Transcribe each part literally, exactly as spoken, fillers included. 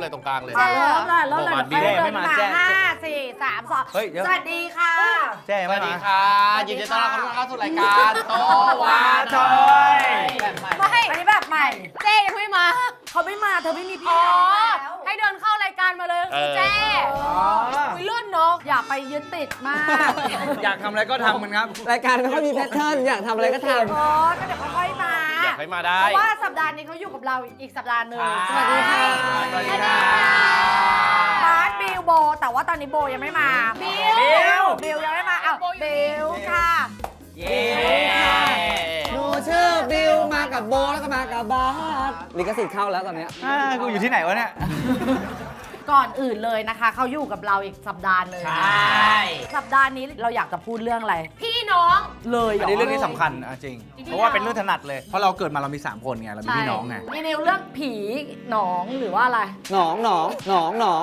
เลยตรงกลางเลยเริ่มเลยเริ่มเลยบอกมาเดินไม่มามาแจ้ห้าสี่สามสองเฮ้ยเดี๋ยวสวัสดีค่ะแจ้สไม่วัสดีมาค่ะยินดีต้อนรับเข้าสู่รายการโตวาทอยแบบใหม่อันนี้แบบใหม่เจ๊ยังไม่มาเขาไม่มาเธอไม่มีพี่อ๋อน้องแล้วให้เดินเข้ารายการมาเลยคือเจ๊อ๋อคุยรุ่นเนาะอย่าไปยึดติดมากอยากทำอะไรก็ทำมันครับรายการไม่ค่อยมีแพทเทิร์นอยากทำอะไรก็ทโอ้ก็เดี๋ยวเขาค่อยมาอยากให้มาได้เพราะว่าสัปดาห์นี้เขาอยู่กับเราอีกสัปดาห์หนึ่งครับสวัสดีค่ะสวัสดีค่ะบาสบิลโบ แต่ว่าตอนนี้โบยังไม่มา บิลบิลยังไม่มาอ้าวบิลค่ะเย้ำหนูชื่อบิวมากับโบแล้วก็มากับบาสลิขสิทธิ์เข้าแล้วตอนเนี้ยอ่ากูอยู่ที่ไหนวะเนี่ยก่อนอื่นเลยนะคะ เขาอยู่กับเราอีกสัปดาห์หนึ่งใช่สัปดาห์นี้เราอยากจะพูดเรื่องอะไรพี่น้องเลยเหรอันอนี้เรื่องนี้สำคัญอ่ะจริงจริงๆเพราะว่าเป็นเรื่องถนัดเลย เพราะเราเกิดมาเรามีสามคนไง เรามีพี่น้องไงมีนิวเรื่องผีหนองหรือว่าอะไรหนองหนองหนองหนอง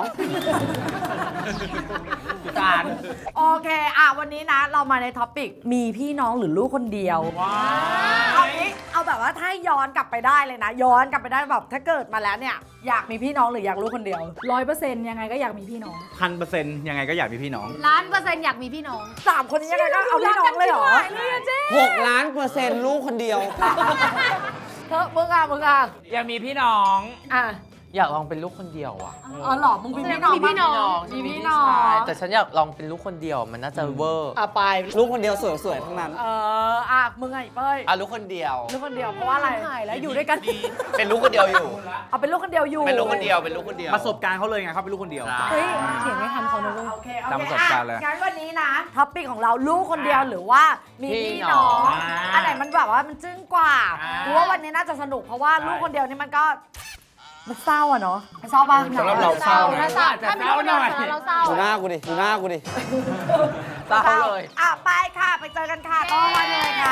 การโอเคอ่ะวันนี้นะ เรามาในท็อปิกมีพี่น้องหรือลูกคนเดียวว้าเอางี้เอาแบบว่าถ้าย้อนกลับไปได้เลยนะ ย้อนกลับไปได้แบบถ้าเกิดมาแล้วเนี่ยอยากมีพี่น้องหรืออยากลูกคนเดียวร้อยเปอร์เซ็นต์ยังไงก็อยากมีพี่น้องพันเปอร์เซ็นต์ยังไงก็อยากมีพี่น้องล้านเปอร์เซ็นต์อยากมีพี่น้องสามคนนี้ยังไงก็เอาพี่น้องเลยเหรอหกล้านเปอร์เซ็นต์ลูกคนเดียวเธอมึงอ่ะมึงอ่ะอยากมีพี่น้องอ่ะอยากลองเป็นลูกคนเดียวอ่ะอ๋อเหรอมึงมีพี่น้องมีพี่น้องมีพี่น้องแต่ฉันอยากลองเป็นลูกคนเดียวมันน่าจะเวอร์อ่ะไปลูกคนเดียวสวยๆทั้งนั้นเอออ่ะมึงไงเป้ยอ่ะลูกคนเดียวลูกคนเดียวเพราะว่าอะไรหายแล้วอยู่ด้วยกันเป็นลูกคนเดียวอยู่เอาเป็นลูกคนเดียวอยู่เป็นลูกคนเดียวเป็นลูกคนเดียวประสบการณ์เขาเลยไงเขาเป็นลูกคนเดียวเฮ้ยเขียนไม่ทันเขานะลูกโอเคโอตามเคประสบการณ์เลยอ่ะงั้นวันนี้นะท็อปปิ้งของเราลูกคนเดียวหรือว่ามีพี่พี่น้น้ออง งอันไหนมันแบบว่ามันจึ้งกว่าอ่ากูว่าวันนี้น่าจะสนุกเพราะว่าลูกคนเดียวนี่มันก็มันเศร้าอะเนาะมันเศร้าปะสำหรับเราเศร้าถ้านะเศร้าถ้ามีลูกคนเดียวเราเศร้าดูหน้ากูดิ ดูหน้ากูดิเศร้าเลยอ่ะไปค่ะไปเจอกันค่ะก็วันนี้เลยค่ะ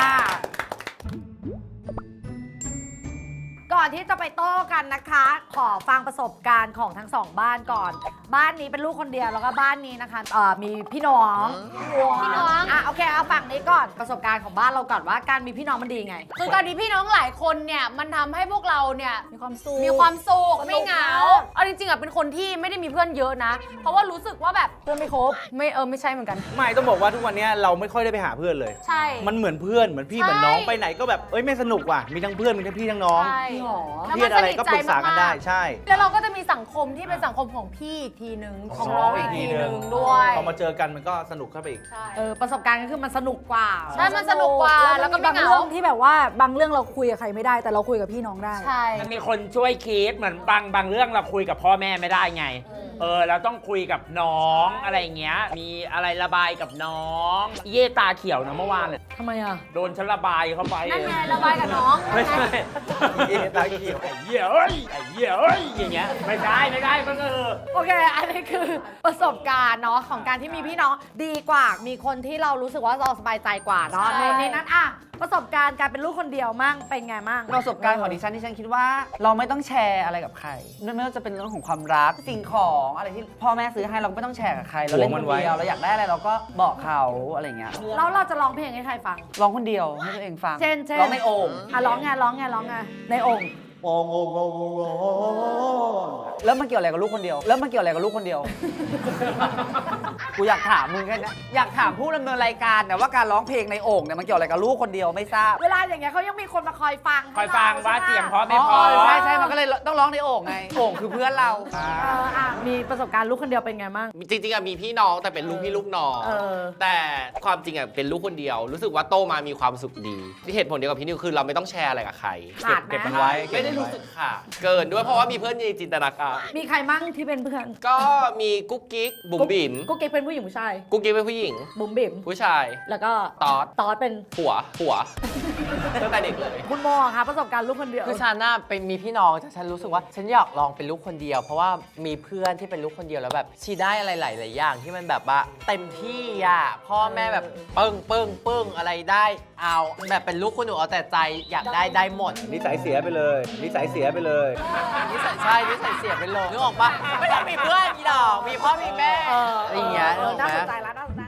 ก่อนที่จะไปโต้กันนะคะ ขอฟังประสบการณ์ของทั้งสองบ้านก่อน บ้านนี้เป็นลูกคนเดียวแล้วก็บ้านนี้นะคะเอ่อมีพี่น้องพี่น้องอ่ะโอเคเอาฝั่งนี้ก่อนประสบการณ์ของบ้านเราก่อนว่าการมีพี่น้องมันดีไงคือการมีพี่น้องหลายคนเนี่ยมันทำให้พวกเราเนี่ยมีความสุขมีความสุขสนุกไม่เหงามากเอาจริงๆอ่ะเป็นคนที่ไม่ได้มีเพื่อนเยอะนะ เพราะว่ารู้สึกว่าแบบเพื่อนไม่ครบไม่เออไม่ใช่เหมือนกันไม่ต้องบอกว่าทุกวันนี้เราไม่ค่อยได้ไปหาเพื่อนเลยใช่มันเหมือนเพื่อนเหมือนพี่เหมือนน้องไปไหนก็แบบเอ้ยไม่สนุกว่ะมีทั้งเพื่อนมีทั้งพี่ทั้งน้องใช่หรอแล้วเครีมัยดนอะไรสนิทก็ใจปรึกษากันได้มากๆใช่แล้วเราก็จะมีสังคมที่เป็นสังคมของพี่อีกทีนึงของน้องอีกทีนึงด้วยพอมาเจอกันมันก็สนุกเข้าไปอีกใช่เออประสบการณ์ก็คือมันสนุกกว่าใช่มันสนุกกว่าแล้วก็มีไม่บางเหงาเรื่องที่แบบว่าบางเรื่องเราคุยกับใครไม่ได้ แต่เราคุยกับพี่น้องได้ใช่มันมีคนช่วยคิดเหมือนบางบางเรื่องเราคุยกับพ่อแม่ไม่ได้ไง เออเราต้องคุยกับน้องอะไรอย่างเงี้ย มีอะไรระบายกับน้อง เย่ตาเขียวนะเมื่อวานเนี่ยทำไมอ่ะโดนฉันระบายเข้าไปนั่นไงระบายกับน้องไม่ใช่เย่ตาเขียวไอ้เหี้ยเอ้ยไอ้เหี้ยเอ้ยอย่างเงี้ยไม่ได้ไม่ได้มันเออโอเค อันนี้คือประสบการณ์เนาะของการที่มีพี่น้องดีกว่า มีคนที่เรารู้สึกว่าเราสบายใจกว่าเนาะใช่ในนั้นอ่ะประสบการณ์การเป็นลูกคนเดียวมั่งเป็นไงมั่งประสบการณ์ของดิฉันที่ฉันคิดว่า เราไม่ต้องแชร์อะไรกับใครไม่ว่าจะเป็นเรื่องของความรักสิ่งของอะไรที่พ่อแม่ซื้อให้เราไม่ต้องแชร์กับใครเราเล่นคนเดียวเราอยากได้อะไรเราก็บอกเขาอะไรเงี้ยแล้วเราจะร้องเพลงให้ใครฟังร้องคนเดียวให้ตัวเองฟังเช่นเช่นร้องในโอ่งอ่ะร้องไงร้องไงร้องไงในโองค์แล้วมันเกี่ยวอะไรกับลูกคนเดียว แล้วมันเกี่ยวอะไรกับลูกคนเดียว กูอยากถามมึงแค่นี้อยากถามผู้ดำเนินรายการเนี่ยว่าการร้องเพลงในโอ่งเนี่ยมันเกี่ยวอะไรกับลูกคนเดียวไม่ทราบเวลาอย่างเงี้ยเขายังมีคนมาคอยฟังคอยฟังว่าเสียงเพราะไม่อ๋อเพราะใช่ใช่มันก็เลยต้องร้องในโอ่งไงโอ่งคือเพื่อนเราเอออ่ะมีประสบการณ์ลูกคนเดียวเป็นไงมั่งจริงๆอะมีพี่น้องแต่เป็นลูกพี่ลูกน้องเออแต่ความจริงอะเป็นลูกคนเดียว รู้สึกว่าโตมามีความสุขดีที่เหตุผลเดียวกับพี่นิวคือเราไม่ต้องแชร์อะไรกับใครขาดไหมเก็บมันไว้ไม่ได้รู้สึกค่ะ เกินด้วยเพราะว่ามีเพื่อนในจินตนาการมีใครมั่งที่เป็นเพื่อนก็มีกุ๊กกิ๊กบุ๋มบิ๋มกุ๊กกิ๊กเป็นผู้หญิงผู้ชายกุ๊กกิ๊กเป็นผู้หญิงบุ๋มบิ๋มผู้ชายแล้วก็ตอดตอดเป็นผัวผัวตั้งแต่เด็กเลยคุณโมอะคะประสบการณ์ลูกคนเดียวคือฉันน่ะเป็นมีพี่น้องแต่ฉันรู้สึกว่าฉันอยากลองเป็นลูกคนเดียว เพราะว่ามีเพื่อนที่เป็นลูกคนเดียวแล้วแบบชีได้อะไรหลายๆอย่างที่มันแบบว่าเต็มที่อ่ะพ่อแม่แบบปึ้งปึ้งปึ้งอะไรได้เอาแบบเป็นลูกคนหนูเอาแต่ใจอยากได้ได้หมดนิสัยเสียไปเลยนิสัยเสียไปเลยนิสัยใช่นิสัยเสียไปเลยนึกออกปะไม่ต้องมีเพื่อนมีดอกมีพ่อมีแม่เอออะไรอย่างเงี้ยเอนึกอออกน่าไหมสนใจแล้วน่าสนใจ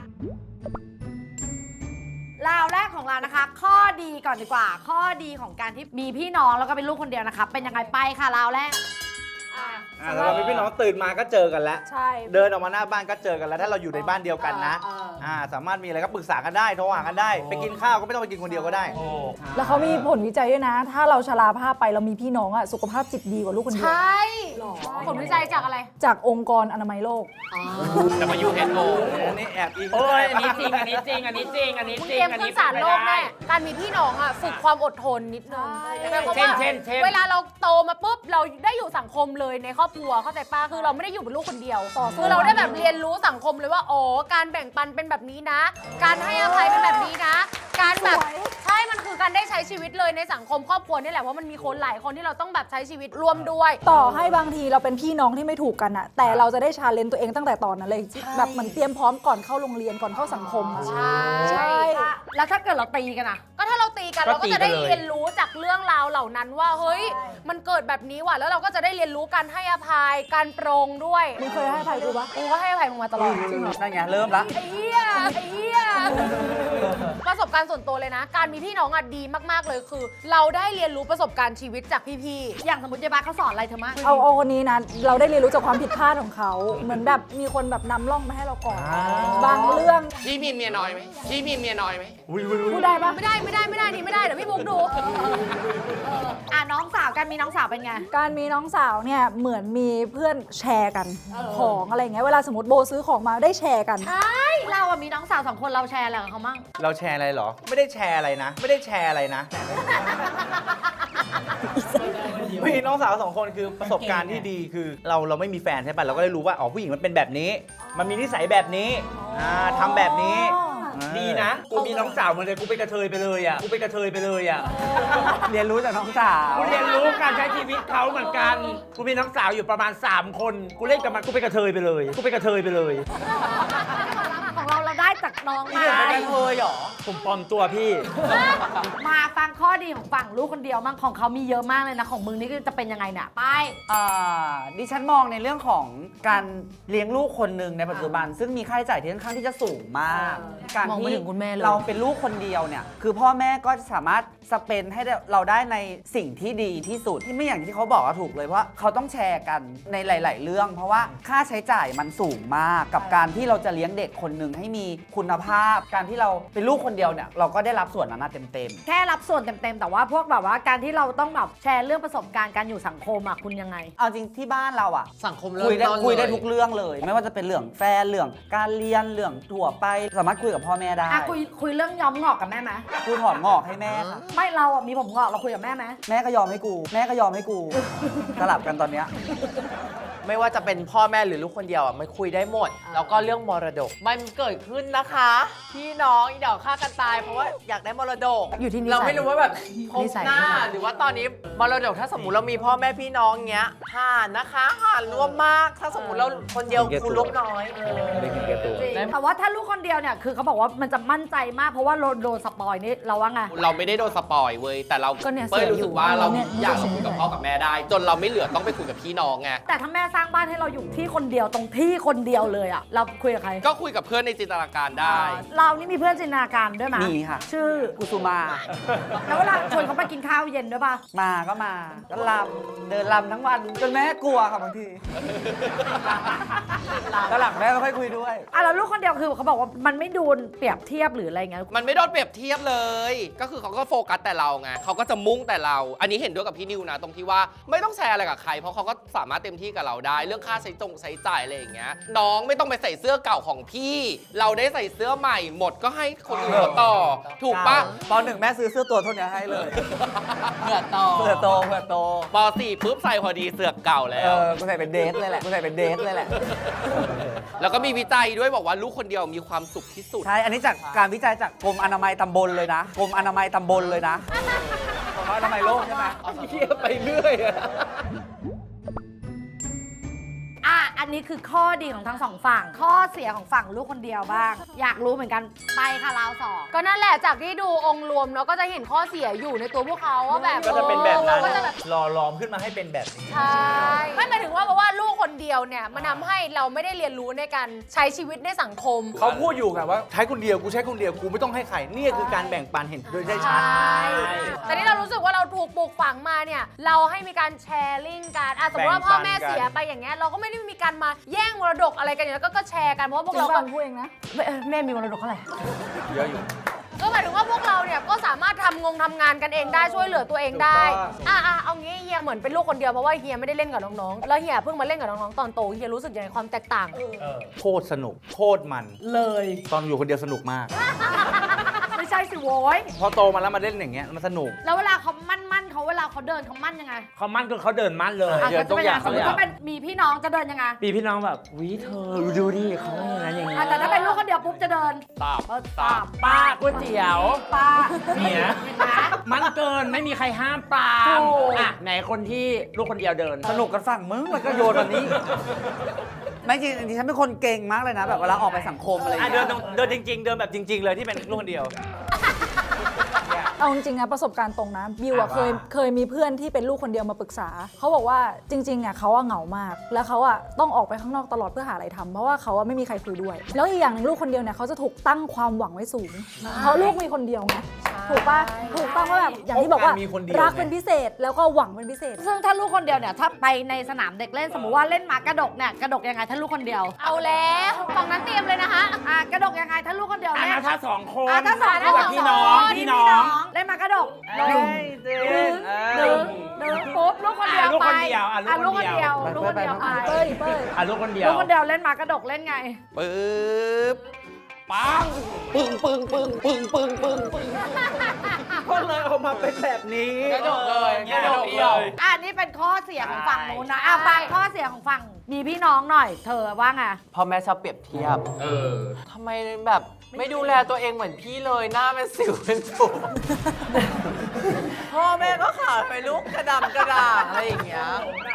ราวแรกของเรานะคะ ข้อดีก่อนดีกว่า ข้อดีของการที่มีพี่น้องแล้วก็เป็นลูกคนเดียวนะคะเป็นยังไงไปค่ะราวแรกอ่าสำหรับพี่น้องตื่นมาก็เจอกันแล้วใช่เดินออกมาหน้าบ้านก็เจอกันแล้ว ถ้าเราอยู่ในบ้านเดียวกันนะเออเอออ่อ่าสามารถมีอะไรก็ปรึกษากันได้โทรหากันได้ ไปกินข้าวก็ไม่ต้องไปกินคนเดียวก็ได้แล้วเขามีผลวิจัยด้วยนะ ถ้าเราชราภาพไปเรามีพี่น้องอะสุขภาพจิตดีกว่าลูกคนเดีใชยว่ผลวิจัยจากอะไรจากองค์กรอนามัยโลกแต่มายูเฮดโออันนี้แอบอิงโอ้ยอันนี้จริง อันนี้จริง อันนี้จริง อันนี้คุณจริเตรีงยมอันขึ้นี้นศาลโลกแน่การมีพี่น้องอ่ะฝึกความอดทนนิดนึงหมายความเช่นว่าเช่นเช่นเวลาเราโตมาปุ๊บเราได้อยู่สังคมเลยในครอบครัวเข้าใจป้าคือเราไม่ได้อยู่เป็นลูกคนเดียวคือเราได้แบบเรียนรู้สังคมเลยว่าอ๋อการแบ่งปันเป็นแบบนี้นะ การให้อภัยเป็นแบบนี้นะ การแบบใช่มันคือการได้ใช้ชีวิตเลยในสังคมครอบครัวนี่แหละเพราะมันมีคนหลายคนที่เราต้องแบบใช้ชีวิตร่วมด้วยต่อให้บางทีเราเป็นพี่น้องที่ไม่ถูกกันอะแต่เราจะได้ชาเลนจ์ตัวเองตั้งแต่ตอนนั้นเลยแบบเหมือนเตรียมพร้อมก่อนเข้าโรงเรียนก่อนเข้าสังคมอะใช่ใช่แล้วถ้าเกิดเราตีกันอะก็ถ้าเราตีกันก็เราก็จะได้ตีกันเลยเรียนรู้จากเรื่องราวเหล่านั้นว่าเฮ้ยมันเกิดแบบนี้ว่ะแล้วเราก็จะได้เรียนรู้การให้อภัยการปรงด้วยมึงเคยให้อภัยกูปะกูก็ให้อภัยมึงมาตลอดจริงเหรอนั่นไงเริ่มละไอ้เหี้ยไอ้เหี้ยประสบการณ์ส่วนตัวเลยนะ การมีพี่น้องอ่ะดีมากๆเลยคือ เราได้เรียนรู้ประสบการณ์ชีวิตจากพี่อย่างสมมติยายบ้าเขาสอนอะไรเธอมากเอาเอาคนนี้นะเราได้เรียนรู้จากความผิดพลาดของเขา เหมือนแบบมีคนแบบนำร่องมาให้เราก่อน บางเรื่องพี่มีเมียน้อยไหมพี่มีเมียน้อยไหมพูดได้ปะๆไม่ได้ไม่ได้ไม่ได้นี่ไม่ได้เดี๋ยวพี่บุ๊กดูอ่ะน้องสาวกันมีน้องสาวเป็นไงการมีน้องสาวเนี่ยเหมือนมีเพื่อนแชร์กันของอะไรอย่างเงี้ยเวลาสมมติโบซื้อของมาได้แชร์กันใช่เราอะมีน้องสาวสองคนเราแชร์อะไรกับเขามั่งเราแชร์อะไรเหรอ ไม่ได้แชร์อะไรนะ ไม่ได้แชร์อะไรนะ มีน้องสาวสองคนคือประสบการณ์ที่ดีคือเราเราไม่มีแฟนใช่ป่ะเราก็ได้รู้ว่าอ๋อผู้หญิงมันเป็นแบบนี้ มันมีนิสัยแบบนี้อ่าทำแบบนี้อ่าดีนะ กูมีน้องสาวมาเลย กูเป็นกระเทยไปเลยอ่ะ กูเป็นกระเทยไปเลยอ่ะเรียนรู้จากน้องสาวกูเรียนรู้การใช้ชีวิตเขาเหมือนกัน กูมีน้องสาวอยู่ประมาณ สาม คน กูเล่นกับมัน กูเป็นกระเทยไปเลย กูเป็นกระเทยไปเลยของเราเราได้จากน้องนี่มาเดี๋ยวเป็นกระเทยเหรอผมปลอมตัวพี่มาฟังข้อดีของฝั่งลูกคนเดียวมั่งของเขามีเยอะมากเลยนะของมึงนี่ก็จะเป็นยังไงเนี่ยไปอ่าดิฉันมองในเรื่องของการเลี้ยงลูกคนหนึ่งในปัจจุบัน ซึ่งมีค่าใช้จ่ายที่ค่อนข้างที่จะสูงมาก การมองไปที่ถึงคุณแม่เลยเราเป็นลูกคนเดียวเนี่ยคือพ่อแม่ก็จะสามารถสเปนให้เราได้ในสิ่งที่ดีที่สุดที่ไม่อย่างที่เขาบอกก็ถูกเลยเพราะเขาต้องแชร์กันในหลาย ๆ เรื่อง เพราะว่าค่าใช้จ่ายมันสูงมากกับการที่เราจะเลี้ยงเด็กคนหนึ่งให้มีคุณภาพ การที่เราเป็นลูกคนเดียวเนี่ยเราก็ได้รับส่วนนั้นเต็มๆแค่รับส่วนเต็มๆแต่ว่าพวกแบบว่าการที่เราต้องแบบแชร์เรื่องประสบการณ์การอยู่สังคมอะคุณยังไงเอาจริงที่บ้านเราอะสังคมเริ่มคุยได้ต้นคุยได้เลยทุกเรื่องเลย ไม่ว่าจะเป็นเรื่องแฟนเรื่องการเรียนเรื่องถั่วไป สามารถคุยกับพ่อแม่ได้อ่ะคุยคุยเรื่องย้อมงอกกับแม่ไหมกูถอนงอกให้แม่ค่ะไม่เราอะมีผมงอกเราคุยกับแม่ไหมแม่ก็ยอมให้กู แม่ก็ยอมให้กู สลับกันตอนเนี้ยไม่ว่าจะเป็นพ่อแม่หรือลูกคนเดียวอ่ะมันคุยได้หมด แล้วก็เรื่องมรดก มันเกิดขึ้นนะคะ พี่น้องอีเดี๋ยวฆ่ากันตาย เพราะว่าอยากได้มรดกอยู่ที่นิสัยเราไม่รู้ว่าแบบพบนิสัยหน้า หรือว่าตอนนี้มรดกถ้าสมมติเรามีพ่อแม่พี่น้องเงี้ยห่านนะคะห่านรวมมาก ถ้าสมมติเราคนเดียวคูณลบน้อยได้กินแก่ตัวจริงแต่ว่าถ้าลูกคนเดียวเนี่ยคือเขาบอกว่ามันจะมั่นใจมากเพราะว่าโดนโดนสปอยนี่เราว่าไงเราไม่ได้โดนสปอยเว้ยแต่เราก็เนี่ยเป้ยรู้สึกว่าเสียอยู่เราเนี่ยอยากจะคุยกับพ่อกับแม่ได้ จนเราไม่เหลือต้องไปคุยกับพี่น้องไงแต่ถ้าแม่สร้างบ้านให้เราอยู่ที่คนเดียวตรงที่คนเดียวเลยอะเราคุยกับใครก็คุยกับเพื่อนในจินตนาการได้เรานี่มีเพื่อนจินตนาการด้วยไหมมีค่ะชื่อกุสุมาแล้วเวลาชวนเขาไปกินข้าวเย็นด้วยป่ะมาก็มา ก็ลำเดินลำทั้งวัน จนแม่กลัวค่ะบางทีก็หลังแม่ไม่ค่อยคุยด้วยอ่ะแล้วลูกคนเดียวคือเขาบอกว่ามันไม่ดูเปรียบเทียบหรืออะไรเงี้ยมันไม่โดนเปรียบเทียบเลย ก็คือเขาก็โฟกัสแต่เราไงเขาก็จะมุ่งแต่เรา อันนี้เห็นด้วยกับพี่นิวนะ ตรงที่ว่าไม่ต้องแชร์อะไรกับใคร เพราะเขาก็สามารถเต็มที่กับเราได้ เรื่องค่าใช้จงใช้จ่ายอะไรอย่างเงี้ย น้องไม่ต้องไปใส่เสื้อเก่าของพี่ เราได้ใส่เสื้อใหม่หมดก็ให้คนอื่นเขาต่อ ถูกปะตอนหนึ่งแม่ซื้อเสื้อตัวเท่านี้ให้เลยเผื่อต่อเพื่อโตเพื่อโตปสี่ปุ๊บใส่พอดีเสือกเก่าแล้เอวอ กูใส่เป็นเดทเลยแหละ กูใส่เป็นเดทเลยแหละแล้วก็มีวิจัยด้วยบอกว่าลูกคนเดียวมีความสุขที่สุดใช่ อันนี้จากการวิจัยจากกรมอนามัยตำบลเลยนะ กรมอนามัยตำบลเลยนะของเขาอนามัยโลกใช่ไหมเทียบไปเรื่อยอะอ่ะอันนี้คือข้อดีของทั้งสองฝั่ง ข้อเสียของฝั่งลูกคนเดียวบ้าง อยากรู้เหมือนกันไปค่ะราวสองก็นั่นแหละจากที่ดูองค์รวมเนาะก็จะเห็นข้อเสียอยู่ในตัวพวกเขาว่าแบบก็จะเป็นแบบนั้นก็จะแบบหล่อหลอมขึ้นมาให้เป็นแบบนี้ใช่ไม่หมายถึงว่าเพราะว่าลูกคนเดียวเนี่ยมันทำให้เราไม่ได้เรียนรู้ในการใช้ชีวิตในสังคมเขาพูดอยู่ไงว่าใช้คนเดียวกูใช้คนเดียวกูไม่ต้องให้ใครนี่คือการแบ่งปันเห็นโดยได้ชัดใช่แต่นี่เรารู้สึกว่าเราถูกปลูกฝังมาเนี่ยเราให้มีการแชร์ลิงก์กันอ่ะสมมติว่าพ่อแม่เสียไปอย่างเงี้ยเราก็ไม่ได้มีการมาแย่งมรดกอะไรกันอย่างนี้แล้วก็ก็แชร์กันเพราะว่าพวกเราเราก็พูดเองนะแม่แม่มีมรดกเท่าไหร่เยอะอยู่ก็หมายถึงว่าพวกเราเนี่ยก็สามารถทำงงทำงานกันเองได้ช่วยเหลือตัวเองได้ถูกต้องอ่ะอ่ะเอางี้เฮียเหมือนเป็นลูกคนเดียวเพราะว่าเฮียไม่ได้เล่นกับน้องๆแล้วเฮียเพิ่งมาเล่นกับน้องๆตอนโตเฮียรู้สึกยังไงความแตกต่างโคตรสนุกโคตรมันเลยตอนอยู่คนเดียวสนุกมากไม่ใช่สิโว้ยพอโตมาแล้วมาเล่นอย่างเงี้ยมันสนุกแล้วเวลาเขามั่นมั่นๆเขาเวลาเขาเดินเขามั่นยังไงเขามั่นก็เขาเดินมั่นเลยอ่ะเดี๋ยวก็จะเป็นยังไงตัสวมอมย่างติว่าเป็นมีพี่น้องจะเดินยังไงปีพี่น้องแบบวิเธอดูดิเขาอย่างนั้นอย่างนี้อ่ะแต่ถ้าเป็นลูกคนเดียวปุ๊บจะเดินตาบเออตามป้าก๋วยเตี๋ยวป้าเนี่ยเห็นไหมมันเกินไม่มีใครห้ามปรามถูกอ่ะไหนคนที่ลูกคนเดียวเดินสนุกกันฝั่งมึงแล้วก็โยนแบบนี้ ไม่จริงดิฉันเป็นคนเก่งมากเลยนะ แบบเวลาออกไปสังคมอะไรอย่างอ่ะเงี้เดินยตรงเดินจริง ๆ เดินแบบจริง ๆ เลยที่เป็นลูกคนเดียวเอาจริงๆนะประสบการณ์ตรงนะบิวอะเคยเคยมีเพื่อนที่เป็นลูกคนเดียวมาปรึกษาเขาบอกว่าจริงๆอะเขาอะเหงามาก แล้วเขาอะต้องออกไปข้างนอกตลอดเพื่อหาอะไรทำเพราะว่าเขาอะไม่มีใครคุยด้วย แล้วอีกอย่างหนึ่งลูกคนเดียวเนี่ยเขาจะถูกตั้งความหวังไว้สูงเพราะลูกมีคนเดียวไงถูกปะถูกต้องว่าแบบอย่างที่บอกว่ามีคนเดียวรักเป็นพิเศษแล้วก็หวังเป็นพิเศษซึ่งถ้าลูกคนเดียวเนี่ยถ้าไปในสนามเด็กเล่นสมมติว่าเล่นหมากระดกเนี่ยกระดกยังไงถ้าลูกคนเดียวเอาแล้วฝั่งนั้นเตรียมเลยนะคะอ่ะกระดกยังไงถ้าลูกคนเดียวอ่ะเล่นนะถ้าสองคนอ่ะถ้าสองถ้าแบบพี่น้องพี่น้องเล่นหมากระดกเฮ้ยเดินเอดึองดึงปุ๊บลูกคนเดียวอ่ะลูกไปคนเดียวอ่ะอ่ะลูลูกกคคน นเดีเดียยว วลูกคนเดียวไปเป้ยเป้ยอ่ะลูกคนเดียวลูกคนเดียวเล่นหมากระดกเล่นไงปึ๊บปังปึ้งปึ้งปึ้งปึ้งปึ้งปึ้งปึ้งก็เลยออกมาเป็นแบบนี้กระดกเลยกระดกกระดกเดีเลยอ่ะนี่เป็นข้อเสียของฝั่งนู้นนะใช่อ่ะฟังข้อเสียของฝั่งมีพี่น้องหน่อย เธอว่าไงพ่อแม่ชอบเปรียบเทียบเออทำไมแบบไม่ดูแลตัวเองเหมือนพี่เลยหน้าเป็นสิวเป็นตุ่ม พ่อแม่ก็ขาดไปลุกกระดำกระด่างอะไรอย่างเงี้ย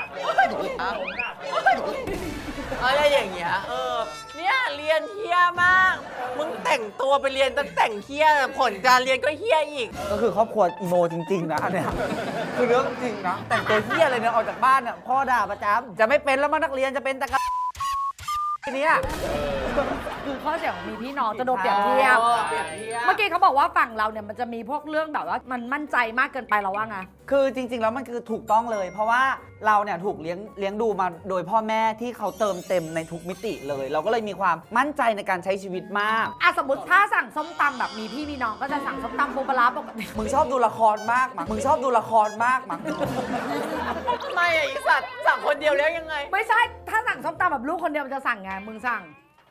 อะไรอย่างเงี้ยเออเนี่ยเรียนเฮี้ยมากมึงแต่งตัวไปเรียนตั้งแต่งเฮี้ยผลการเรียนก็เฮี้ยอีกก็คือครอบครัวอีโมจริงๆนะอันเนี้ยคือเรื่องจริงนะ แต่งตัวเฮี้ยอะไรเนี่ยออกจากบ้านเนี่ยพ่อด่าประจำจะไม่เป็นแล้วมั้งนักเรียนจะเป็นแต่กะทีเนี้ยคือข้อเสียของมีพี่น้องจะโดนเปรียบเทียบเปรียบเทียบเมื่อกี้เขาบอกว่าฝั่งเราเนี่ยมันจะมีพวกเรื่องแบบว่ามันมั่นใจมากเกินไปเราว่าไงคือจริง ๆ แล้วมันคือถูกต้องเลย เพราะว่าเราเนี่ยถูกเลี้ยงเลี้ยงดูมาโดยพ่อแม่ที่เขาเติมเต็มในทุกมิติเลย เราก็เลยมีความมั่นใจในการใช้ชีวิตมากอ่ะสมมติถ้าสั่งส้มตำแบบมีพี่มีน้องก็จะสั่งส้มตำปูปลาร้าปกติมึงชอบดูละครมากมั้งมึงชอบดูละครมากมั้งทำไมอ่ะอีสัตว์สั่งคนเดียวแล้วยังไงไม่ใช่ถ้าสั่งส้มตำแบบลูกคนเดียวมันจะสั่งไงมึงสั่ง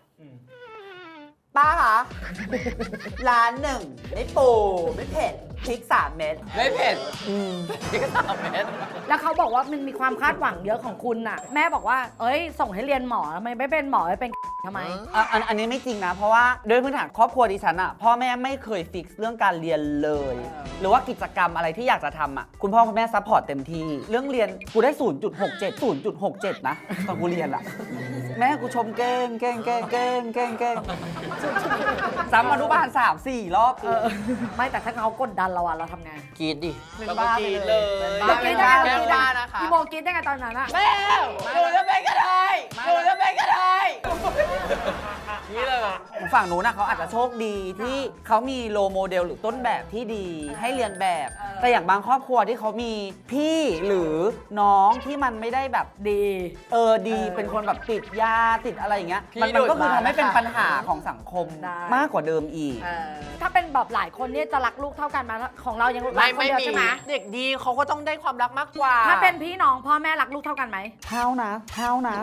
ป้าคะร้านหนึ่งไม่ปูไม่เผ็ดพริกสามเม็ดไม่เผ็ดนี่ก็สามเม็ดแล้วเขาบอกว่ามันมีความคาดหวังเยอะของคุณน่ะ แม่บอกว่า เอ้ย ส่งให้เรียนหมอทำไมไม่เป็นหมอไม่เป็นทำไมอ่ะอันอันนี้ไม่จริงนะ เพราะว่าด้วยพื้นฐานครอบครัวดิฉันอะพ่อแม่ไม่เคยฟิกซ์เรื่องการเรียนเลย หรือว่ากิจกรรมอะไรที่อยากจะทำอะคุณพ่อคุณแม่ซัพพอร์ตเต็มที่ เรื่องเรียนกูได้ ศูนย์จุดหกเจ็ด ศูนย์จุดหกเจ็ด นะตอนกูเรียนอะแม่กูชมเก่งเก่งเก่งเก่งเก่งเก่งซ้ำอนุบาลสามสี่รอบเออ ไม่แต่ถ้าเขากดดันเราอะเราทำไงกรีดดิเป็นแล้วก็บ้าไปกรีดเลเลย ยเป็นเมื่บ้าอเป็กี้นได้บ้าไงแม่บ้านะคะพี่โมกินได้ไงตอนนั้นอะแม่หนูจะเป็นกระเทยหนูจะเป็นกระเทยนี่เลยอ่ะฝั่งนู้นนะเขาอาจจะโชคดีที่เขามีโลโมเดลหรือต้นแบบที่ดีให้เรียนแบบ แต่อย่างบางครอบครัวที่เขามีพี่หรือน้องที่มันไม่ได้แบบดีเออดีเป็นคนแบบติดยาติดอะไรอย่างเงี้ยพี่มันมันก็โดดคือมาทำให้เป็นนะคะปัญหาของสังคมได้มากกว่าเดิมอีกเออถ้าเป็นแบบหลายคนเนี่ยจะรักลูกเท่ากันไหมาของเรายังรักไม่คนไม่เดียวมีใช่ไหมเด็กดีเขาก็ต้องได้ความรักมากกว่าถ้าเป็นพี่น้องพ่อแม่รักลูกเท่ากันไหมเท่านะ เท่านะ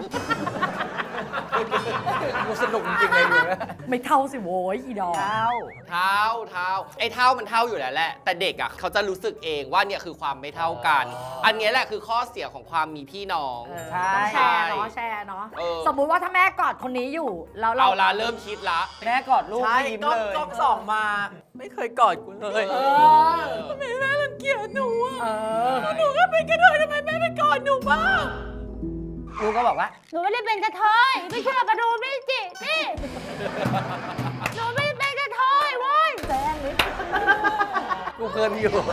กูสนุกจริงๆเลยดูนะไม่เท่าสิโว้ยอีดอกเท่าเท่าเท่าไอ้เท่ามันเท่าอยู่แล้วแหละ แต่เด็กอ่ะเขาจะรู้สึกเองว่าเนี่ยคือความไม่เท่ากัน อันเนี้ยแหละคือข้อเสียของความมีพี่น้องเออใช่ต้องแชร์เนาะแชร์เนาะเออสมมุติว่าถ้าแม่กอดคนนี้อยู่แล้วเราเอาละเริ่มคิดละแม่กอดลูกใช่ไม่ยิ้มก็เลยก็สองมา ไม่เคยกอดกูเลยเออทำไมแม่รังเกียจหนูอ่ะเออหนูก็เป็นกระเทยทำไมแม่ไม่กอดหนูบ้างเลูกก็บอกว่าหนูไม่ได้เป็นกระเทยไม่เชื่อมาดูนี่จินี่หนูไม่ได้เป็นกระเทยเว้ยแซงนิดกูเคินอยู่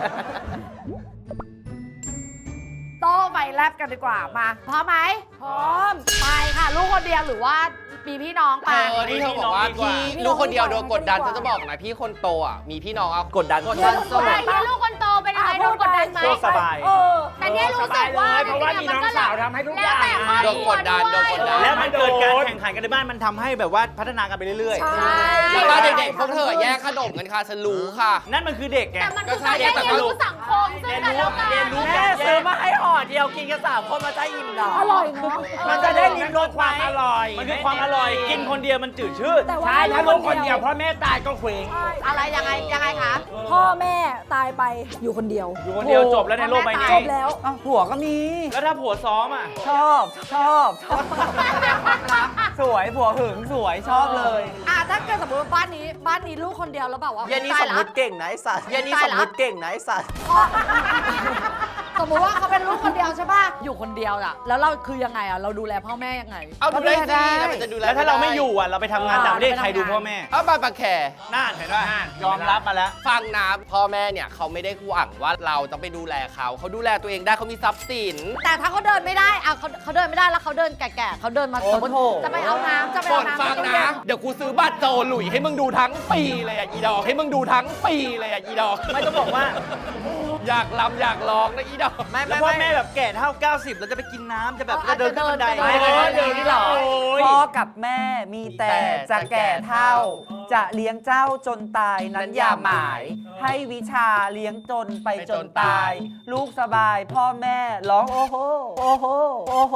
โต้ไปแลบกันดีกว่ามาพร้อมไหมพร้อมไปค่ะ ลูกคนเดียวหรือว่ามีพี่น้องเอไปอที่เธอบอกว่าพี่ลูกคนเดียวโดนกดดันฉันจะบอกนะพี่คนโตอ่ะมีพี่น้องเอากดดันกดดันสู้ใครที่ลูกคนโตเป็นอะไรโดนกดดันไหมโลกสบายเออแต่เนี่ยรู้สึกว่าเพราะว่ามีน้องสาวทำให้ทุกอย่างแล้วแต่ครอบโดนครักวดดันโดนกดดันแล้วมันเกิดการแข่งขันกันในบ้านมันทำให้แบบว่าพัฒนากันไปเรื่อยใช่แล้วก็เด็กๆพวกเธอแยกขนมกันค่ะฉันรู้ค่ะๆ นั่นมันคือเด็กไงแต่มันก็คือใช่การแต่ได้ก็เรียนรู้รู้สังคมซึ่งกันและกันเรียนรู้แม่ซื้อมาให้ห่อเดียวกินกันสามคนมาจะอิ่มเหรออร่อยเนาะมันจะได้ลิ้มรสความอร่อย มันคือความอร่อย กินคนเดียวมันจืดชืดแต่ว่าใช่ถ้าลูกคนเดียวพ่อแม่ตายก็เคว้งอะไรยังไงยังไงคะพ่อแม่ตายไปอยู่คนเดียวอยู่คนเดียวจบแล้วในโลกใบนี้จบแล้วอ้าวผัวก็มีแล้วถ้าผัวซ้อมอ่ะชอบชอบชอบสวยผัวหึงสวยชอบเลยอ่ะถ้าเกิดสมมติว่าบ้านนี้บ้านนี้ลูกคนเดียวแล้วแบบว่าเย็นนี้สมมติเก่งนะไอ้สัตว์เย็นนี้สมมติเก่งนะไอ้สัตว์สมมติว่าเขาเป็นลูกคนเดียวใช่ป่ะอยู่คนเดียวอ่ะแล้วเราคือยังไงอ่ะเราดูแลพ่อแม่ยังไงเอาดูได้สิแล้วมันจะดูแลแล้วถ้าเราไม่อยู่อ่ะ เราไปทำงานต่างประเทศใครดูพ่อแม่เอาบานปากแคน่านเห็นป่ะยอมรับมาแล้วฟังนะพ่อแม่เนี่ยเขาไม่ได้หวังว่าเราจะไปดูแลเขาเขาดูแลตัวเองได้เขามีทรัพย์สินแต่ถ้าเขาเดินไม่ได้อ่ะเขาเขาเดินไม่ได้แล้วเขาเดินแก่ๆเขาเดินมาโอ้สมมติโหจะไปเอาน้ำจะไปฝเอานน้ำฟังในตู้นะเย็นเดี๋ยวกูซื้อบัตรโจหลุยให้มึงดูทั้งปีเลยอ่ะอีดอกให้มึงดูทั้งปีเลยอ่ะอีดอกไม่ต้องบอกว่าอยากลำอยากร้องนะอีดอกไม่แล้ไม่วพ่อไม่แม่แบบแก่เท่า เก้าสิบแล้วจะไปกินน้ำจะแบบจะเดินขึ้นบันไดไม่ไม่ไม่เดี๋ยวนี้หรอโอ้ยพ่อกับแม่มีแต่จะแก่เท่า จะเลี้ยงเจ้าจนตายนั้นอย่าหมาย ให้วิชาเลี้ยงจนไปจนตาย ลูกสบายพ่อแม่ร้องโอ้โหโอ้โหโอ้โห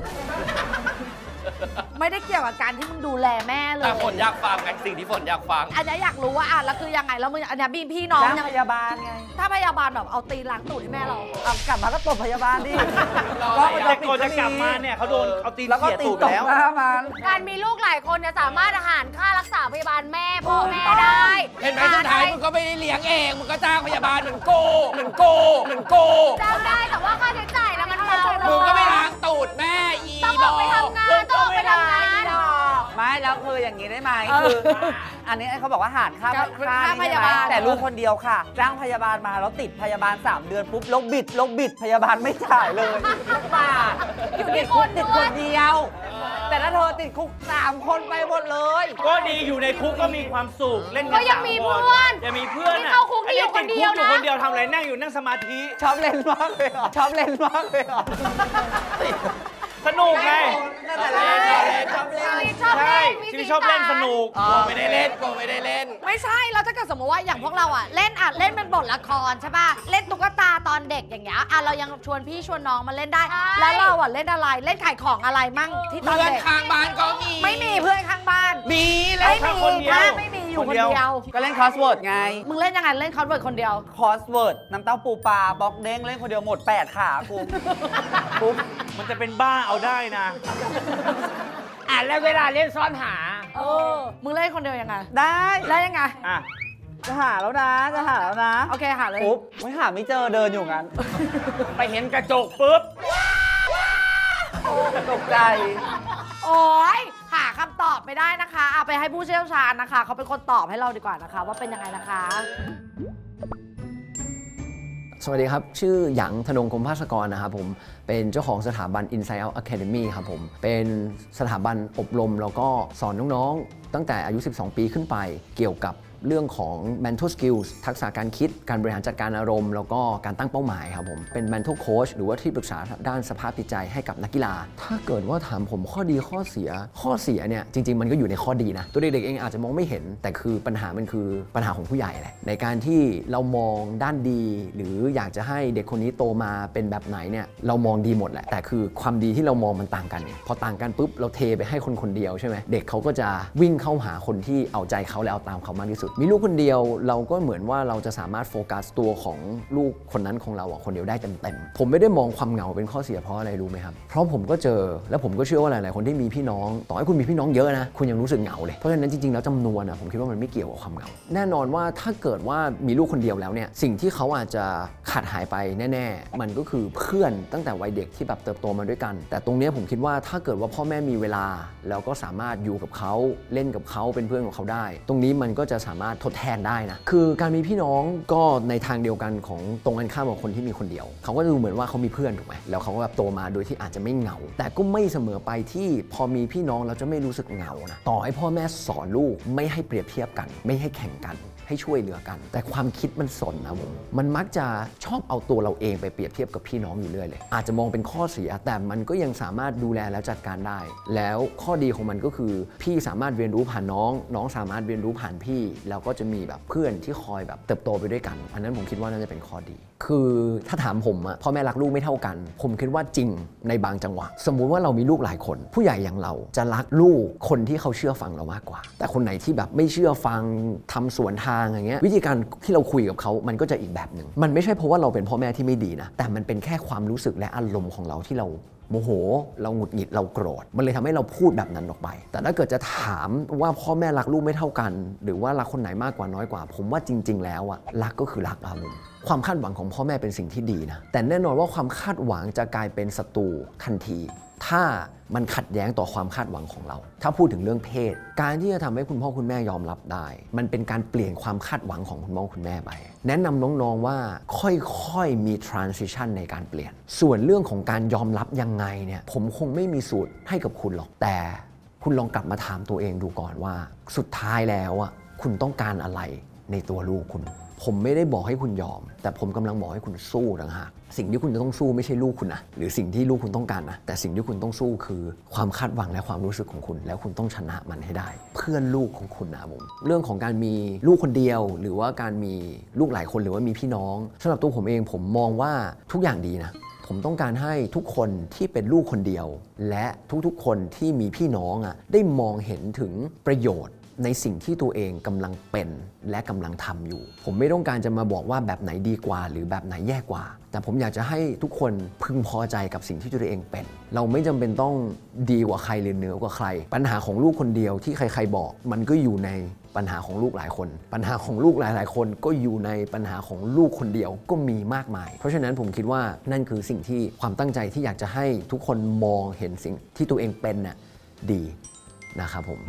ไม่ได้เกี่ยวกับการที่มึงดูแลแม่เลยแต่ฝนอยากฟังไงสิ่งที่ฝนอยากฟังอันนี้อยากรู้ว่าอ่ะแล้วคือยังไงแล้วมึงอันนี้มีพี่น้องจ้างยังพยาบาลไงถ้าพยาบาลแบบเอาตีนล้างตูดให้แม่เราเอากลับมาก็ตบพยาบาลดิก็แต่ก่อนจะกลับมาเนี่ยเขาโดนเอาตีนแล้วก็เขี่ยตีตูดตไปบแล้วหน้ามันการมีลูกหลายคนเนี่ยสามารถหารค่ารักษาพยาบาลแม่พ่อแม่ได้เห็นไหมสุดท้ายมึงก็ไม่ได้เลี้ยงเองมึงก็จ้างพยาบาลเหมือนโกเหมือนโกเหมือนโกจ้างได้แต่ว่าค่าใช้จ่ายแล้วมันเบาลมึงงก็ไม่ล้างตูดแม่อีต้องบอออกไปทำงานต้องออกไปทำงานไม่แล้วคืออย่างนี้ได้ไหมคือ อันนี้เขาบอกว่าหารค่าค่าค่าค่านี้พใช่ยาไหมบาลแต่ลูกคนเดียวค่ะ จ้างพยาบาลมาแล้วติดพยาบาล สาม เดือนปุ๊บลกบิดลกบิดพยาบาลไม่จ่ายเลยบาทอยู่ติที่ดคคุกนติดด้ควยนเดียว แต่ถ้าเธอติดคุกสามคนไปหมดเลยก็ดีอยู่ในคุกก็มีความสุขเล่นกันก็ยังสามีคนเพื่อนยังมีเพื่อนที่อ่ะเข้าคุกที่อยู่คนเดียวไอ้นะติคุกอยู่คนเดียวทำอะไรนั่งอยู่นั่งสมาธิชอบเล่นมากเลยเหรอชอบเล่นมากเลยเหรอสนุกไงนั่นแหละเล่นชอบเล่นชอบใช่เล่นมีชีวิตชอบเล่นสนุกโกไม่ได้เล่นโกไม่ได้เล่นไม่ใช่แล้วถ้าเกิดสมมติว่าอย่างพวกเราอ่ะเล่นอ่ะเล่นเป็นบทละครใช่ป่ะเล่นตุ๊กตาตอนเด็กอย่างเงี้ยอ่ะเรายังชวนพี่ชวนน้องมาเล่นได้ แล้วเราอ่ะเล่นอะไรเล่นขายของอะไรมั่งที่ตอนเพื่อนเด็กข้างบ้านก็มีไม่มีเพื่อนข้างบ้านมีแล้วไม่แค่มีคนเดียวถ้าไม่มีอยู่คนเดียวก็เล่นคอสเวิร์ดไงมึงเล่นยังไงเล่นคอนเวิร์ตคนเดียวคอสเวิร์ดน้ำเต้าปูปลาบล็อกเด้งเล่นคนเดียวหมดแปดขากูปุ๊บมันจะเป็นบ้าเอาได้นะอ่ะแล้วเวลาเล่นซ่อนหาเออมึงเล่นคนเดียวยังไงได้เล่นยังไงอ่ะจะหาแล้วนะ จะหาแล้วนะโอเคหาเลยปุ๊บไม่หาไม่เจอเดินอยู่งั้นไปเห็นกระจกปุ๊บตกใจโอ้ยหาคำตอบไม่ได้นะคะเอาไปให้ผู้เชี่ยวชาญนะคะเขาเป็นคนตอบให้เราดีกว่านะคะ ว่าเป็นยังไงนะคะสวัสดีครับ ชื่อหยางธนงคมภาสกรนะครับผมเป็นเจ้าของสถาบัน Inside Out Academy ครับผมเป็นสถาบันอบรมแล้วก็สอนน้องๆ ตั้งแต่อายุ สิบสอง ปีขึ้นไปเกี่ยวกับเรื่องของ mental skills ทักษะการคิดการบริหารจัดการอารมณ์แล้วก็การตั้งเป้าหมายครับผมเป็น mental coach หรือว่าที่ปรึกษาด้านสภาพจิตใจให้กับนักกีฬา ถ้าเกิดว่าถามผมข้อดีข้อเสีย ข้อเสียเนี่ยจริงๆมันก็อยู่ในข้อดีนะตัวเด็กๆเองอาจจะมองไม่เห็นแต่คือปัญหามันคือปัญหาของผู้ใหญ่แหละในการที่เรามองด้านดี หรืออยากจะให้เด็กคนนี้โตมาเป็นแบบไหนเนี่ยเรามองดีหมดแหละแต่คือความดีที่เรามองมันต่างกันเนี่ยพอต่างกันปุ๊บเราเทไปให้คนคนเดียวใช่ไหมเด็กเขาก็จะวิ่งเข้าหาคนที่เอาใจเขาและเอาตามเขามากที่สุดมีลูกคนเดียวเราก็เหมือนว่าเราจะสามารถโฟกัสตัวของลูกคนนั้นของเราอ่ะคนเดียวได้เต็มๆผมไม่ได้มองความเหงาเป็นข้อเสียเพราะอะไรรู้ไหมครับเพราะผมก็เจอและผมก็เชื่อว่าหลายๆคนที่มีพี่น้องต่อให้คุณมีพี่น้องเยอะนะคุณยังรู้สึกเหงาเลยเพราะฉะนั้นจริงๆแล้วจำนวนอ่ะผมคิดว่ามันไม่เกี่ยวกับความเหงาแน่นอนว่าถ้าเกิดว่ามีลูกคนเดียวแล้วเนี่ยสิ่งที่เขาอาจจะขาดหายไปแน่ๆมันก็คือเพื่อนตั้งแต่วัยเด็กที่แบบเติบโตมาด้วยกันแต่ตรงนี้ผมคิดว่าถ้าเกิดว่าพ่อแม่มีเวลาแล้วก็สามารถอยู่กับเขาเล่นกับเขาเป็นเพื่อนกับเขาได้ตรงนี้มันก็จะสามารถทดแทนได้นะคือการมีพี่น้องก็ในทางเดียวกันของตรงกันข้ามกับคนที่มีคนเดียวเขาก็ดูเหมือนว่าเขามีเพื่อนถูกไหมแล้วเขาก็แบบโตมาโดยที่อาจจะไม่เหงาแต่ก็ไม่เสมอไปที่พอมีพี่น้องเราจะไม่รู้สึกเหงานะต่อให้พ่อแม่สอนลูกไม่ให้เปรียบเทียบกันไม่ให้แข่งกันให้ช่วยเหลือกันแต่ความคิดมันสนนะผมมันมักจะชอบเอาตัวเราเองไปเปรียบเทียบกับพี่น้องอยู่เรื่อยเลยอาจจะมองเป็นข้อเสียแต่มันก็ยังสามารถดูแลและจัดการได้แล้วข้อดีของมันก็คือพี่สามารถเรียนรู้ผ่านน้องน้องสามารถเรียนรู้ผ่านพี่แล้วก็จะมีแบบเพื่อนที่คอยแบบเติบโตไปด้วยกันอันนั้นผมคิดว่าน่าจะเป็นข้อดีคือถ้าถามผมอะพ่อแม่รักลูกไม่เท่ากันผมคิดว่าจริงในบางจังหวะสมมุติว่าเรามีลูกหลายคนผู้ใหญ่อย่างเราจะรักลูกคนที่เขาเชื่อฟังเรามากกว่าแต่คนไหนที่แบบไม่เชื่อฟังทำสวนทางอย่างเงี้ยวิธีการที่เราคุยกับเขามันก็จะอีกแบบหนึ่งมันไม่ใช่เพราะว่าเราเป็นพ่อแม่ที่ไม่ดีนะแต่มันเป็นแค่ความรู้สึกและอารมณ์ของเราที่เราโมโหเราหงุดหงิดเราโกรธมันเลยทำให้เราพูดแบบนั้นออกไปแต่ถ้าเกิดจะถามว่าพ่อแม่รักลูกไม่เท่ากันหรือว่ารักคนไหนมากกว่าน้อยกว่าผมว่าจริงๆแล้วอะรักก็คือรักอะผมความคาดหวังของพ่อแม่เป็นสิ่งที่ดีนะแต่แน่นอนว่าความคาดหวังจะกลายเป็นศัตรูทันทีถ้ามันขัดแย้งต่อความคาดหวังของเราถ้าพูดถึงเรื่องเพศการที่จะทำให้คุณพ่อคุณแม่ยอมรับได้มันเป็นการเปลี่ยนความคาดหวังของคุณพ่อคุณแม่ไปแนะนำน้องๆว่าค่อยๆมี transition ในการเปลี่ยนส่วนเรื่องของการยอมรับยังไงเนี่ยผมคงไม่มีสูตรให้กับคุณหรอกแต่คุณลองกลับมาถามตัวเองดูก่อนว่าสุดท้ายแล้วอ่ะคุณต้องการอะไรในตัวลูกคุณผมไม่ได้บอกให้คุณยอมแต่ผมกำลังบอกให้คุณสู้ต่างหากสิ่งที่คุณจะต้องสู้ไม่ใช่ลูกคุณนะหรือสิ่งที่ลูกคุณต้องการนะแต่สิ่งที่คุณต้องสู้คือความคาดหวังและความรู้สึกของคุณแล้วคุณต้องชนะมันให้ได้เพื่อนลูกของคุณนะผมเรื่องของการมีลูกคนเดียวหรือว่าการมีลูกหลายคนหรือว่ามีพี่น้องสำหรับตัวผมเองผมมองว่าทุกอย่างดีนะผมต้องการให้ทุกคนที่เป็นลูกคนเดียวและทุกๆคนที่มีพี่น้องอ่ะได้มองเห็นถึงประโยชน์ในสิ่งที่ตัวเองกำลังเป็นและกำลังทำอยู่ผมไม่ต้องการจะมาบอกว่าแบบไหนดีกว่าหรือแบบไหนแย่กว่าแต่ผมอยากจะให้ทุกคนพึงพอใจกับสิ่งที่ตัวเองเป็นเราไม่จำเป็นต้องดีกว่าใครหรือเหนือกว่าใครปัญหาของลูกคนเดียวที่ใครๆบอกมันก็อยู่ในปัญหาของลูกหลายคนปัญหาของลูกหลายๆคนก็อยู่ในปัญหาของลูกคนเดียวก็มีมากมายเพราะฉะนั้นผมคิดว่านั่นคือสิ่งที่ความตั้งใจที่อยากจะให้ทุกคนมองเห็นสิ่งที่ตัวเองเป็นน่ะดีนะครับผม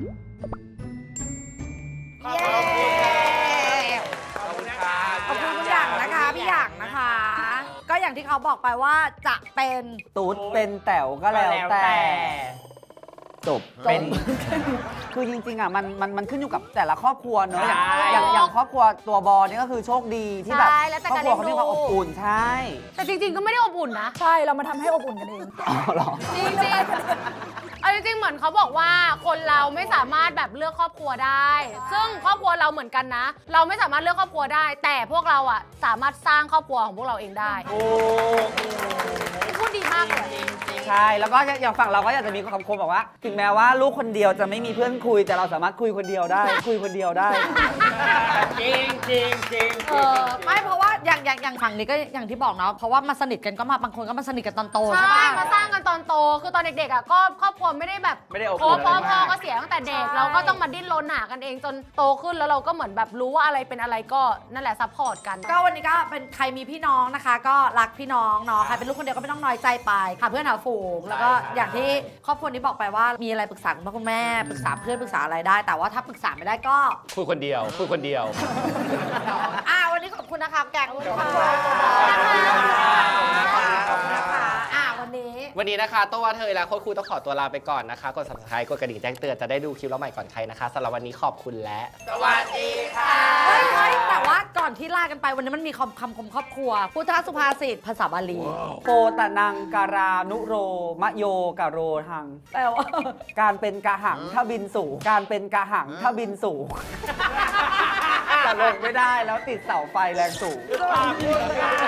ขอบคุณคุณหยางนะคะพี่หยางนะคะ ก็อย่างที่เขาบอกไปว่าจะเป็นตุ๊ดเป็นแต๋วก็แล้วแต่จบเป็นคือจริงๆอ่ะมันมันมันขึ้นอยู่กับแต่ละครอบครัวเนอะอย่างอย่างอย่างครอบครัวตัวบอลนี่ก็คือโชคดีที่แบบครอบครัวเขามีความอบอุ่นใช่แต่จริงๆก็ไม่ได้อบอุ่นนะใช่เรามาทำให้อบอุ่นกันเองอ๋อเหรอจริงจริงเอาจริงๆเหมือนเขาบอกว่าคนเราไม่สามารถแบบเลือกครอบครัวได้ซึ่งครอบครัวเราเหมือนกันนะเราไม่สามารถเลือกครอบครัวได้แต่พวกเราอ่ะสามารถสร้างครอบครัวของพวกเราเองได้โอ้พูดดีมากเลยใช่แล้วก็อย่างฝั่งเราก็อยากจะมีคำคมบอกว่าถึงแม้ว่าลูกคนเดียวจะไม่มีเพื่อนคุยแต่เราสามารถคุยคนเดียวได้ คุยคนเดียวได้จริงจริงจริงเออไม่เพราะว่าอย่างอย่างอย่างฝั่งนี้ก็อย่างที่บอกเนาะเพราะว่ามาสนิทกันก็มาบางคนก็มาสนิทกันตอนโตใช่ไหมมาสร้างกันตอนโตคือตอนเด็กๆอ่ะก็ครอบครัวไม่ได้แบบไม่ได้อบอุ่นพ่อพ่อก็เสียตั้งแต่เด็กเราก็ต้องมาดิ้นรนหากันเองจนโตขึ้นแล้วเราก็เหมือนแบบรู้ว่าอะไรเป็นอะไรก็นั่นแหละซัพพอร์ตกันก็วันนี้ก็เป็นใครมีพี่น้องนะคะก็รักพี่น้องเนาะใครเป็นลูกคนเดียวก็ไม่ต้องน้อยใจไปหาเพื่อนหาฝูงแล้วก็อย่างที่ครอบครัวนี้บอกไปว่ามีอะไรปรึกษาคุณพ่อคุณแม่ปรึกษาเพื่อนปรึกษาอะไรได้แต่ว่าถ้าปรึกษาไม่ได้ก็คุยคนเดียวคุยคนเดียวอ่าวันนี้ขอบคุณนะคะแกงคุณค่ะอ่าวันนี้วันนี้นะคะตัวเธอและโค้ชครูต้องขอตัวลาไปก่อนนะคะกด ซับสไครบ์ กดกระดิ่งแจ้งเตือนจะได้ดูคลิปเราใหม่ก่อนใครนะคะสำหรับวันนี้ขอบคุณและสวัสดีค่ะเฮ้ยแต่ว่าก่อนที่ลากันไปวันนี้มันมีคำคำคมครอบครัวพุทธสุภาษิตภาษาบาลีโปตะนังการานุโรมะโยกะโรทังแปลว่าการเป็นกะหังถ้าบินสูงการเป็นกะหังถ้าบินสูงแต่ลงไม่ได้แล้วติดเสาไฟแรงสูง